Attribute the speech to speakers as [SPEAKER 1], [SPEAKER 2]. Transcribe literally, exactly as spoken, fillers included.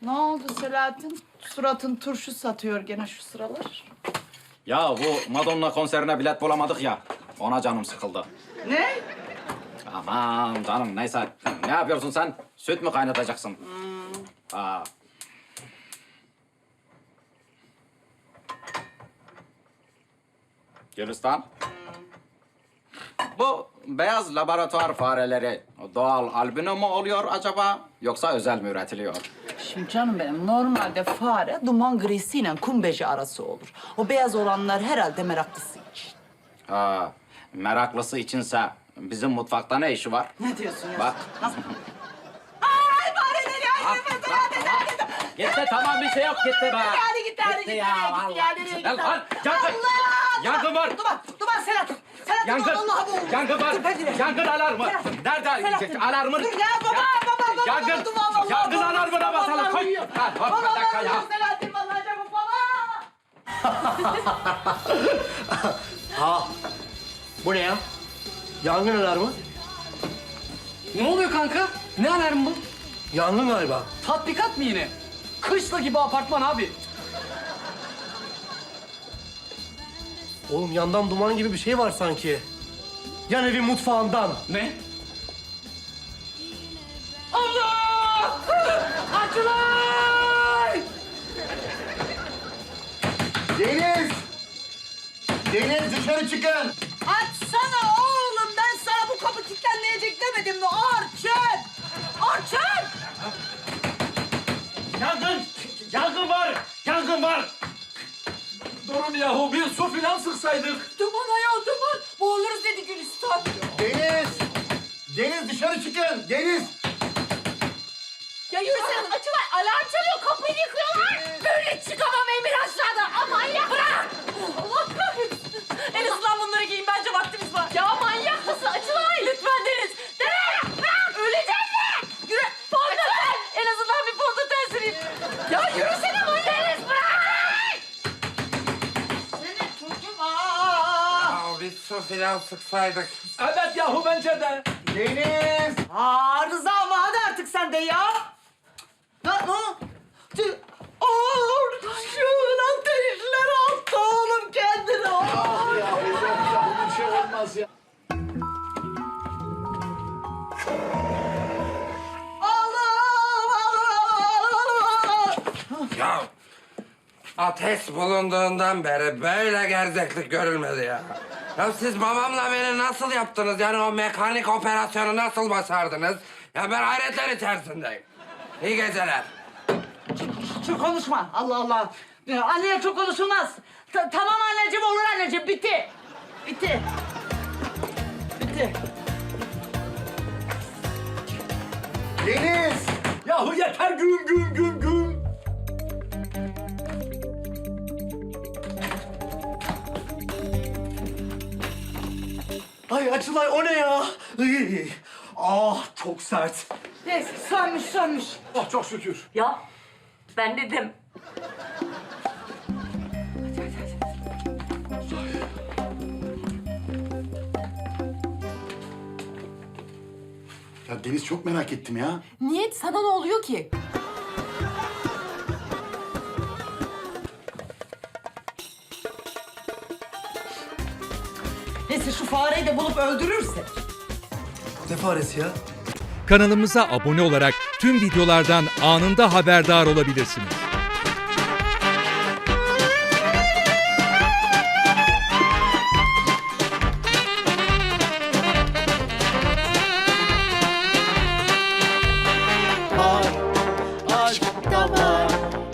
[SPEAKER 1] Ne oldu Selahattin? Suratın turşu satıyor gene şu sıralar.
[SPEAKER 2] Ya bu Madonna konserine bilet bulamadık ya. Ona canım sıkıldı.
[SPEAKER 1] Ne?
[SPEAKER 2] Aman canım neyse. Ne yapıyorsun sen? Süt mü kaynatacaksın?
[SPEAKER 1] Hmm.
[SPEAKER 2] Aa. Gülistan. Bu beyaz laboratuvar fareleri doğal albino mu oluyor acaba? Yoksa özel mi üretiliyor?
[SPEAKER 1] Şimdi canım benim normalde fare duman grisiyle kum beji arası olur. O beyaz olanlar herhalde meraklısı için.
[SPEAKER 2] Ha, meraklısı içinse bizim mutfakta ne işi var?
[SPEAKER 1] Ne diyorsun ya?
[SPEAKER 2] Bak.
[SPEAKER 1] Nasıl? Ay fareleri ay
[SPEAKER 2] Bak,
[SPEAKER 1] nefes
[SPEAKER 2] bak,
[SPEAKER 1] hadi
[SPEAKER 2] bak. Gitti tamam bir şey yok gitti be.
[SPEAKER 1] Hadi gitti hadi gitti.
[SPEAKER 2] ya
[SPEAKER 1] Hadi
[SPEAKER 2] vallahi.
[SPEAKER 1] gitti ya nereye gitti?
[SPEAKER 2] Lan, lan, yangın.
[SPEAKER 1] Allah!
[SPEAKER 2] Yangın var.
[SPEAKER 1] Duman, duman Selahattin. Selahattin
[SPEAKER 2] Yangın.
[SPEAKER 1] vallahi bu.
[SPEAKER 2] Yangın var.
[SPEAKER 1] Dur ben gireyim.
[SPEAKER 2] Yangın alarmı.
[SPEAKER 1] Selahattin,
[SPEAKER 2] Nerede?
[SPEAKER 1] Selahattin.
[SPEAKER 2] Alarmın.
[SPEAKER 1] Dur ya baba baba baba.
[SPEAKER 2] Yangın.
[SPEAKER 1] Duman vallahi.
[SPEAKER 2] Yangın
[SPEAKER 1] baba,
[SPEAKER 2] alarmına basalım.
[SPEAKER 1] vallahi
[SPEAKER 2] Koy.
[SPEAKER 1] uyuyor.
[SPEAKER 2] Ha, hop, bir
[SPEAKER 1] Baba
[SPEAKER 2] dakika ya.
[SPEAKER 1] vallahi Selahattin vallahi çabuk baba.
[SPEAKER 3] Aa, bu ne ya? Yangın alarmı?
[SPEAKER 4] Ne oluyor kanka? Ne alarm bu?
[SPEAKER 3] Yangın galiba.
[SPEAKER 4] Tatbikat mı yine? Kışla gibi apartman abi.
[SPEAKER 3] Oğlum yandan duman gibi bir şey var sanki. Yan evin mutfağından.
[SPEAKER 4] Ne? Allah! Açılay!
[SPEAKER 5] Deniz! Deniz dışarı çıkın!
[SPEAKER 1] Açsana oğlum ben sana bu kapı kilitlenmeyecek demedim mi? Orçun! Orçun!
[SPEAKER 2] Yangın. Yangın var. Yangın var.
[SPEAKER 4] Durun yahu bir su filan sıksaydık.
[SPEAKER 1] Duman ayol duman. Boğuluruz dedi Gülistan.
[SPEAKER 5] Deniz! Deniz dışarı çıkın! Deniz!
[SPEAKER 6] Ya yürüsene açılar alarm çalıyor kapıyı yıkıyorlar. Böyle çıkamam Emir aşağıda. Aman ya bırak. Allah kahretsin. En azından bunları giyin bence vaktimiz var. Ya manyak mısın açılay. Lütfen Deniz. Deniz bırak. Öleceğiz mi? Yürü. Fondöten. En azından bir fondöten süreyim. Ya yürüsene manyak. Deniz bırak.
[SPEAKER 1] Seni çocuğum aa!
[SPEAKER 7] Ya biz su filan sıksaydık.
[SPEAKER 4] Evet yahu bence de.
[SPEAKER 5] Deniz!
[SPEAKER 1] Aa Rıza ama hadi artık sen de ya. Ne? Ne? Tü- Orçun ateşler attı oğlum kendine.
[SPEAKER 5] Ah ya hocam ya bunun bir şey olmaz ya.
[SPEAKER 1] Allah Allah.
[SPEAKER 7] Ya ateş bulunduğundan beri böyle gerzeklik görülmedi ya. Ya siz babamla beni nasıl yaptınız? Yani o mekanik operasyonu nasıl başardınız? Ya ben hayretler içerisindeyim. İyi geceler.
[SPEAKER 1] Çok konuşma. Allah Allah. Ya, anneye çok konuşulmaz. Ta- tamam anneciğim olur anneciğim. Bitti. Bitti. Bitti.
[SPEAKER 5] Deniz!
[SPEAKER 4] Yahu yeter güm güm güm güm.
[SPEAKER 3] Ay Açılay o ne ya? Iy. Ah çok sert.
[SPEAKER 1] Neyse sönmüş sönmüş.
[SPEAKER 3] Ah çok şükür.
[SPEAKER 6] Ya ben dedim.
[SPEAKER 5] Ya Deniz çok merak ettim ya.
[SPEAKER 6] Niyet sana ne oluyor ki?
[SPEAKER 1] Neyse şu fareyi de bulup öldürürsek.
[SPEAKER 3] Ne faresi ya?
[SPEAKER 8] Kanalımıza abone olarak tüm videolardan anında haberdar olabilirsiniz.